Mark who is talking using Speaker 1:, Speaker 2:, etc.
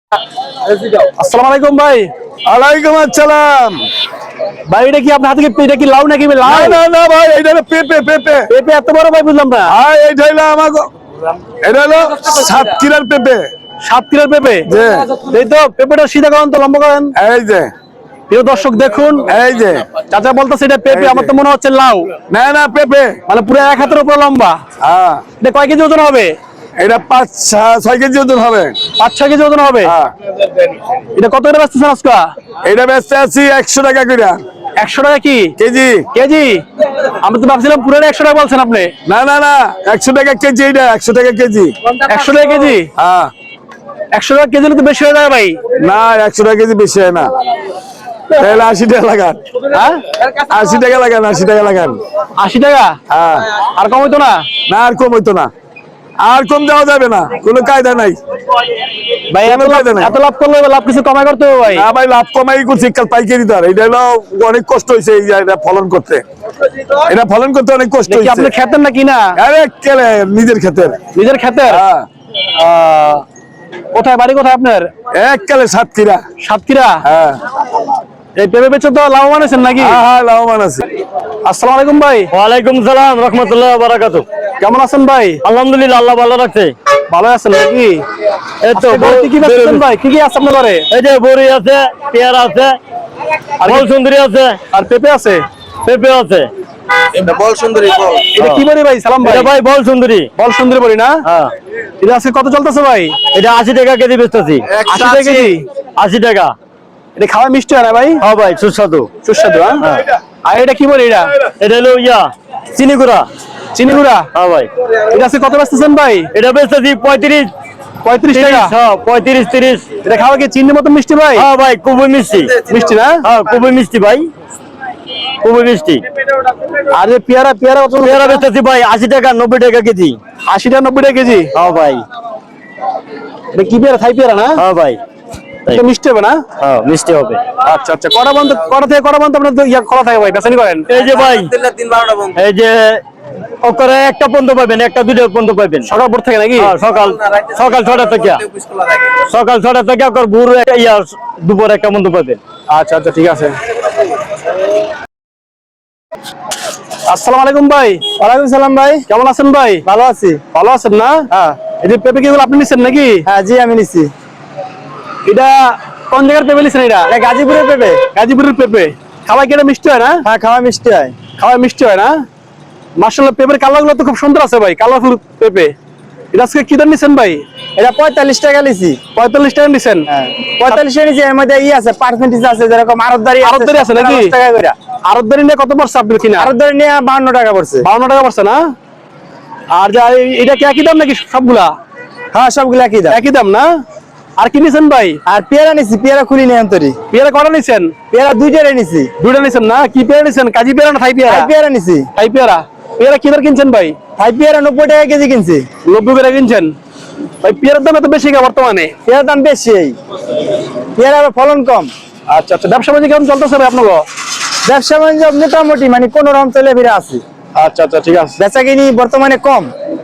Speaker 1: আসসালামু আলাইকুম ভাই।
Speaker 2: ওয়ালাইকুম আসসালাম।
Speaker 1: ভাই এটা কি আপনার হাতে কি এটা কি লাউ নাকি লাউ?
Speaker 2: না না ভাই, এটা হলো পেঁপে। পেঁপে
Speaker 1: পেঁপে এত বড় ভাই বুঝলাম না।
Speaker 2: এইটা হলো আমাকে, এটা হলো সাতক্ষীরার পেঁপে।
Speaker 1: সাতক্ষীরার পেঁপে?
Speaker 2: যে
Speaker 1: এই তো পেঁপেটা সিধা করেন তো, লম্বা করেন।
Speaker 2: এই যে
Speaker 1: প্রিয় দর্শক দেখুন,
Speaker 2: এই যে
Speaker 1: চাচা বলতেছে এটা পেঁপে,
Speaker 2: এই যে।
Speaker 1: আমার তো মনে হচ্ছে লাউ।
Speaker 2: না না পেঁপে।
Speaker 1: মানে পুরো এক হাতের উপরে লম্বা।
Speaker 2: হ্যাঁ,
Speaker 1: এটা কয় কেজি ওজন হবে?
Speaker 2: এটা 5-6 কেজি ওজন হবে।
Speaker 1: 5-6 কেজি ওজন হবে।
Speaker 2: হ্যাঁ,
Speaker 1: এটা কত করে বেচতেছেন আজকে?
Speaker 2: এটা বেচতে আছি 100 টাকা করে
Speaker 1: 100 টাকা কি
Speaker 2: কেজি।
Speaker 1: কেজি? আমি তো ভাবছিলাম পুরো 100 টাকা বলছেন আপনি।
Speaker 2: না না না, 100 টাকা কেজি। এটা 100 টাকা কেজি।
Speaker 1: 100 টাকা কেজি?
Speaker 2: হ্যাঁ।
Speaker 1: 100 টাকা কেজি তো বেশি হয়ে যায় ভাই।
Speaker 2: না, 100 টাকা কেজি বেশি হয় না। তাহলে 80 টাকা লাগান।
Speaker 1: হ্যাঁ,
Speaker 2: 80 টাকা লাগান, 80 টাকা লাগান।
Speaker 1: 80 টাকা?
Speaker 2: হ্যাঁ।
Speaker 1: আর কম হইতো না?
Speaker 2: না, আর কম হইতো না। আর কম দেওয়া যাবে না, কোনো কায়দা নাই
Speaker 1: ভাই এত
Speaker 2: কোনো
Speaker 1: লাভ,
Speaker 2: কায়দা নাই।
Speaker 1: এত লাভ করলে লাভ কিছু কমাই করতে হবে ভাই।
Speaker 2: না ভাই, লাভ কমাই করছি কাল পাইকারি দর। এটা হলো অনেক কষ্ট হয়েছে এই যে এটা ফলন করতে। এটা ফলন করতে অনেক কষ্ট
Speaker 1: দেখি
Speaker 2: হয়েছে।
Speaker 1: আপনি খেতেন না কিনা?
Speaker 2: আরে কেলে নিজের ক্ষেতের।
Speaker 1: নিজের খেতের?
Speaker 2: হ্যাঁ।
Speaker 1: কোথায় বাড়ি, কোথায় আপনার?
Speaker 2: এক কালে সাতক্ষীরা।
Speaker 1: সাতক্ষীরা?
Speaker 2: হ্যাঁ
Speaker 1: এই পেঁপে বেচে তো লাভবান আছেন নাকি?
Speaker 2: হ্যাঁ হ্যাঁ, লাভবান আছে।
Speaker 1: আসসালামু আলাইকুম ভাই।
Speaker 3: ওয়ালাইকুম সালাম রহমতুল্লাহ বারাকাতু।
Speaker 1: কেমন আছেন ভাই?
Speaker 3: আলহামদুলিল্লাহ, আল্লাহ ভালো রাখছে।
Speaker 1: ভালো আছেন নাকি?
Speaker 3: এই তো
Speaker 1: আজকে ঘরে কি কি বেচছেন ভাই? কি কি আছে আপনার ঘরে?
Speaker 3: এই যে বড়ি আছে, পেয়ারা আছে, বল সুন্দরী আছে,
Speaker 1: আর পেঁপে আছে?
Speaker 3: পেঁপে আছে।
Speaker 1: এটা কি বড়ি ভাই? সালাম ভাই।
Speaker 3: এটা ভাই বল সুন্দরী।
Speaker 1: বল সুন্দর বড়ি না?
Speaker 3: হ্যাঁ,
Speaker 1: এটা আজকে কত চলতেছে ভাই?
Speaker 3: এটা 80 টাকা কেজি বেচতেছি।
Speaker 1: 80 টাকা কেজি?
Speaker 3: 80 টাকা।
Speaker 1: এটা খাওয়া মিষ্টি হয় না ভাই?
Speaker 3: হ্যাঁ ভাই, সুস্বাদু।
Speaker 1: সুস্বাদু। হ্যাঁ। আর এটা কি বড়ি এটা?
Speaker 3: এটা হলো চিনি গুঁড়া।
Speaker 1: চিনি গুঁড়া?
Speaker 3: হ্যাঁ ভাই।
Speaker 1: এটা আজকে কত বেচতেছেন ভাই?
Speaker 3: এটা বেচতেছি 35
Speaker 1: টাকা?
Speaker 3: হ্যাঁ, 35-30।
Speaker 1: এটা খাওয়া কি চিনির মতো মিষ্টি ভাই?
Speaker 3: হ্যাঁ ভাই, খুবই মিষ্টি।
Speaker 1: মিষ্টি না?
Speaker 3: হ্যাঁ, খুবই মিষ্টি ভাই, খুবই মিষ্টি।
Speaker 1: আর এই পেয়ারা, পেয়ারা কত?
Speaker 3: পেয়ারা বেচতেছি ভাই 80 টাকা 90 টাকা কেজি।
Speaker 1: 80 টাকা 90 টাকা কেজি?
Speaker 3: হ্যাঁ ভাই।
Speaker 1: এটা কি পেয়ারা? থাই পেয়ারা না?
Speaker 3: হ্যাঁ ভাই,
Speaker 1: এটা মিষ্টি হবে না?
Speaker 3: হ্যাঁ মিষ্টি হবে।
Speaker 1: আচ্ছা আচ্ছা। কটা থেকে কটা পর্যন্ত আপনার খোলা থাকে ভাই, বেচানি করেন?
Speaker 3: এই যে ভাই, এই যে ওকরে একটা পর্যন্ত পাবেন, একটা দুটো পর্যন্ত পাবেন।
Speaker 1: সকাল ভোর থেকে নাকি?
Speaker 3: হ্যাঁ, সকাল 6টা থেকে, সকাল 6টা থেকে ভোর দুপুর 1টা পর্যন্ত পাবেন।
Speaker 1: আচ্ছা আচ্ছা, ঠিক আছে। আসসালামু আলাইকুম ভাই।
Speaker 3: ওয়ালাইকুম সালাম ভাই।
Speaker 1: কেমন আছেন ভাই?
Speaker 3: ভালো আছি।
Speaker 1: ভালো আছেন না?
Speaker 3: হ্যাঁ
Speaker 1: এই যে পেঁপে কি আপনি নিচ্ছেন নাকি?
Speaker 3: হ্যাঁ, জি আমি নিচ্ছি।
Speaker 1: এটা কোন জায়গার পেঁপে নিচ্ছেন? এটা
Speaker 3: গাজীপুরের পেঁপে।
Speaker 1: গাজীপুরের পেঁপে। খাওয়াই কি এটা মিষ্টি হয় না?
Speaker 3: হ্যাঁ, খাওয়া মিষ্টি হয়।
Speaker 1: খাওয়াই মিষ্টি হয় না? মাশাআল্লাহ, পেঁপের কালার গুলো তো খুব সুন্দর আছে ভাই, কালারফুল পেঁপে। এটা আজকে কি দাম নিচ্ছেন ভাই?
Speaker 3: এটা 45 টাকা নিচ্ছি।
Speaker 1: 45 টাকা নিচ্ছেন?
Speaker 3: হ্যাঁ, 45 টাকা নিচ্ছি। এর মধ্যে আছে পার্সেন্টেজ আছে, যেরকম আরতদারি
Speaker 1: আছে নাকি?
Speaker 3: 10 টাকা করে।
Speaker 1: আরতদারি নিয়ে কত পড়ছে আপনার কিনা?
Speaker 3: আরতদারি নিয়ে 52 টাকা পড়ছে।
Speaker 1: 52 টাকা পড়ছে না? আর যা এটা কি একই দাম নাকি সবগুলা?
Speaker 3: হ্যাঁ, সবগুলো একই দাম।
Speaker 1: একই দাম না? আর কি নিছেন ভাই?
Speaker 3: আর পেয়ারা নিচ্ছি, পেয়ারা খুলি নিয়ে আন্তরি।
Speaker 1: পেয়ারা কটা নিছেন?
Speaker 3: পেয়ারা 2টারে নিচ্ছি।
Speaker 1: দুইটা নিছেন না? কি পেয়ারা নিছেন? কাজী পেয়ারা না থাই পেয়ারা?
Speaker 3: পেয়ারা নিচ্ছি।
Speaker 1: থাই পেয়ারা। পেয়ারা কি দর কিনছেন ভাই?
Speaker 3: পেয়ারা 90 টাকা কেজি কিনছি।
Speaker 1: 90 করে কিনছেন ভাই? পেয়ারার দাম এত বেশি কে বর্তমানে?
Speaker 3: পেয়ারার দাম বেশি, পেয়ারা ফলন কম।
Speaker 1: আচ্ছা আচ্ছা। ব্যবসা বাণিজ্য কেমন চলতেছে ভাই আপনার?
Speaker 3: ব্যবসা বাণিজ্য মোটামুটি মানে কোন রকম চলে ফিরে আছে।
Speaker 1: আচ্ছা আচ্ছা, ঠিক আছে।
Speaker 3: বেচা কিনি বর্তমানে কম।